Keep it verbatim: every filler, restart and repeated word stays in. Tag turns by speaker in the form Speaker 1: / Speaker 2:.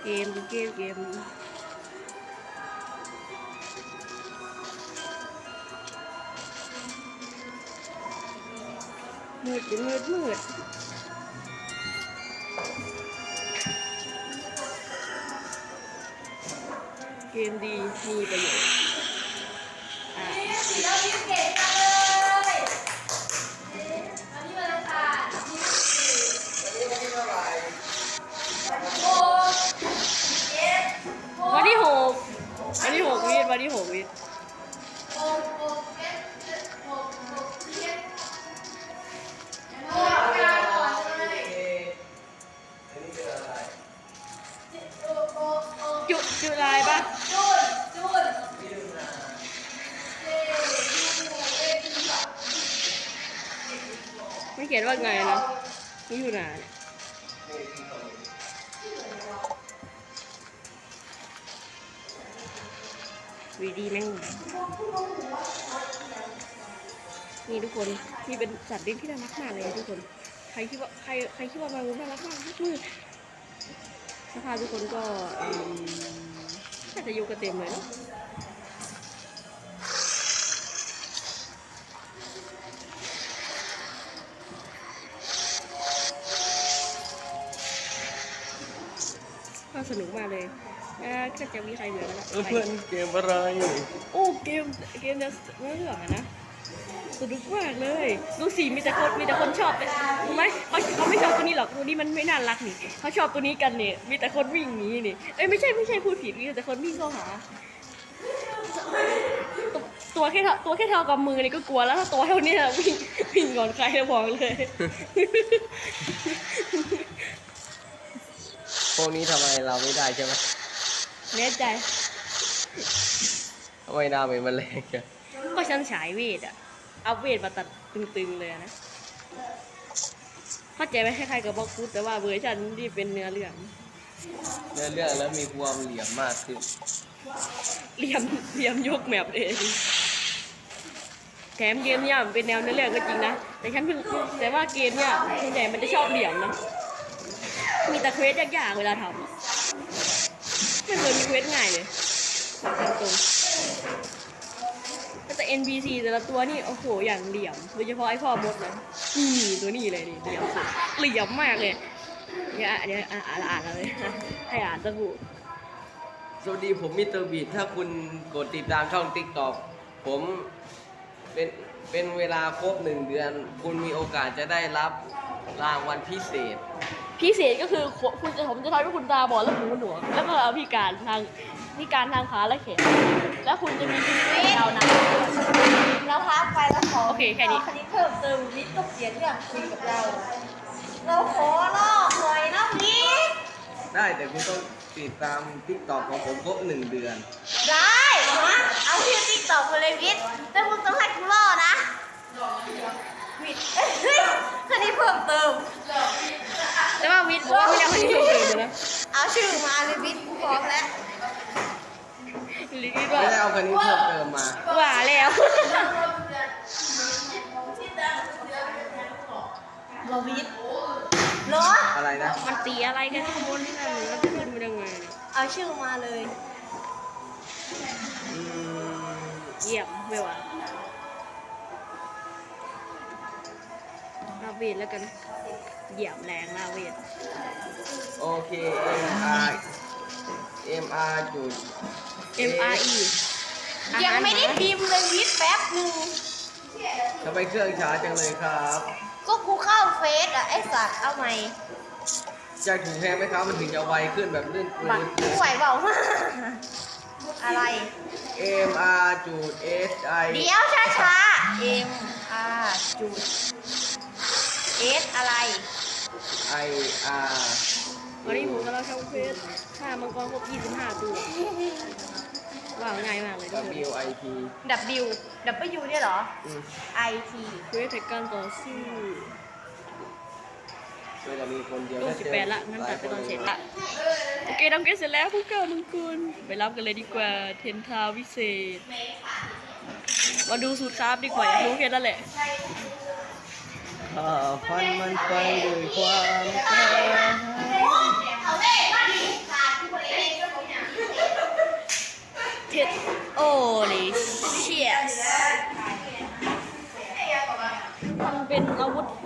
Speaker 1: เกมเกมเกมมืดมืดมืดเกมดีมีประโยชน์อ่าเราพิเศษกันเลยอันนี้วันอังคารวันที่หกวันที่หกวิทวันที่หกวิทจุจุลายปะไม่เขียนว่าไงนะนี่อยู่ไหนวีดีแม่งนี่ทุกคนนี่เป็นสัตว์เลี้ยงที่น่ารักมากเลยทุกคนใครคิดว่าใครใครคิดว่ามันน่ารักมากมืดสภาพทุกคนก็น่าจะอยู่กันเต็มเลยเนาะก็สนุกมากเลยก็จะมีใครเหลือแล้ว
Speaker 2: เพื่อนเกมอะไร
Speaker 1: โอ้เกมเกมจะเรื่องอะนะสนุกมากเลยดูสิมีแต่คนมีแต่คนชอบรู้ไหมเขาเขาไม่ชอบตัวนี้หรอกตัวนี้มันไม่น่ารักนี่เขาชอบตัวนี้กันเนี่ยมีแต่คนวิ่งหนีนี่เอ้ยไม่ใช่ไม่ใช่พูดผิดมีแต่คนวิ่งเข้าหาตัวแค่ตัวแค่เท่ากับมือนี่ก็กลัวแล้วถ้าตัวเท่านี้วิ่งวิ่งก่อนใครจะบอกเลย
Speaker 2: พวกนี้ทำไมเราไม่ได้ใช่ไหม
Speaker 1: แน่ใจ
Speaker 2: ทำไมหน้าเป็นมะเร็งอะ
Speaker 1: ก็ฉันฉายเวทอะเอาเวทมาตัดตึงๆเลยนะเข้าใจไหมคล้ายๆกับบล็อกฟุตแต่ว่าเวอร์ชันที่เป็นเนื้อเรื่อง
Speaker 2: เนื้อเรื่องแล้วมีความเหลี่ยมมากขึ้น
Speaker 1: เหลี่ยมเหลี่ยมยกแมปเองแถมเกมเนี่ยเป็นแนวเนื้อเรื่องก็จริงนะแต่ฉันเพิ่งแต่ว่าเกมเนี่ยส่วนใหญ่มันจะชอบเหลี่ยมนะมีแต่เควสยากๆเวลาทำไม่เคยมีเควสง่ายเลยตรงแต่ เอ็น พี ซี แต่ละตัวนี่โอ้โหอย่างเหลี่ยมโดยเฉพาะไอ้พ่อมดนะนี่ตัวนี้เลยนี่เหลี่ยมสุดเหลี่ยมมากเลยเดี๋ยวเดี๋ยวอ่านอ่านเลยให้อ่านสบู่
Speaker 2: สวัสดีผมมิสเตอร์บีทถ้าคุณกดติดตามช่อง ติ๊กต็อก ผมเป็นเป็นเวลาครบหนึ่งเดือนคุณมีโอกาสจะได้รับรางวัลพิเศษ
Speaker 1: พิเศษก็คือคุณจะผมจะทำให้คุณตาบอดและหูหนวกแล้วก็พิการทางพิการทางขาและแขนแล้วคุณจะมีชีวิตยาวนาน
Speaker 3: แล้วพักไปแล้วขอ
Speaker 1: โอเคแค่นี้
Speaker 3: คณิตเพิ่มเติมวิทย์ก็เขียนเรื่องคุยกับเราเราขอลอกหน่อยนะวิทย์
Speaker 2: ได้แต่คุณต้องติดตาม ติ๊กต็อก ของผมครบหนึ่งเดือน
Speaker 3: ได้ฮะเอาชื่อติ๊กต็อกไปเลยวิทย์แต่คุณต้องให้คุณล่อนะวิทย์เฮ้ยคณิตเพิ่มเติม
Speaker 1: แต่ว่าวิทย์บอกว่าไม่ได้คณิตเพิ่มเติมนะ
Speaker 3: เอาชื่อมาเลยวิทย์กูพร้อมแล้ว
Speaker 2: ไม่ได้เอาคณิตเพิ่มเติมมา
Speaker 1: ว่าแล้ว
Speaker 3: บอวิทย์เหรอ
Speaker 2: อะไรนะ
Speaker 1: มันตีอะไรกันข้างบนนี่นะหรือว่าจะขึ้นไปยังไง
Speaker 3: เอาชื่อมาเลย
Speaker 1: เยี่ยมไม่ว่าลาเวทแล้วกันเหยียบแรงลาเวท
Speaker 2: โอเค M R M R จุด
Speaker 1: M R E
Speaker 3: ยังไม่ได้พิมพ์เลยวิทย์แป๊บหนึ่ง
Speaker 2: ทำไมเครื่องช้าจังเลยครับ
Speaker 3: ก็กูเข้าเฟซอะไอสัตว์เอาไหม
Speaker 2: จะถูกแพงไหมครับมันถึงจะไวขึ้นแบบลื่นปืน
Speaker 3: กูไหวเปล่าอะไร
Speaker 2: M R จุด S I
Speaker 3: เดี๋ยวช้าช้า M R จุด S อะไร
Speaker 2: I R
Speaker 1: วันนี้ผมกำลังทำเฟซฆ่ามังกรครบยี่สิบห้าตัวว้าวง่ายมากเลย
Speaker 2: W I T
Speaker 3: W W เนี่ยเหรอ I T
Speaker 1: เควสแท็กการต่อสู้
Speaker 2: รู
Speaker 1: ปสิบแปดละงั้นตัดไปตอนเสร็จละโอเคทำเกมเสร็จแล้วพวกเก้ามังกรไปรับกันเลยดีกว่าเทนทาวิเศษมาดูสูตรคราฟดีกว่าอยากรู้แค่นั้นแหละ
Speaker 2: ข้าฟันมันไปด้วยความกล้า
Speaker 1: เท็ดโอ้ลิเชียสมันเป็นอาวุธ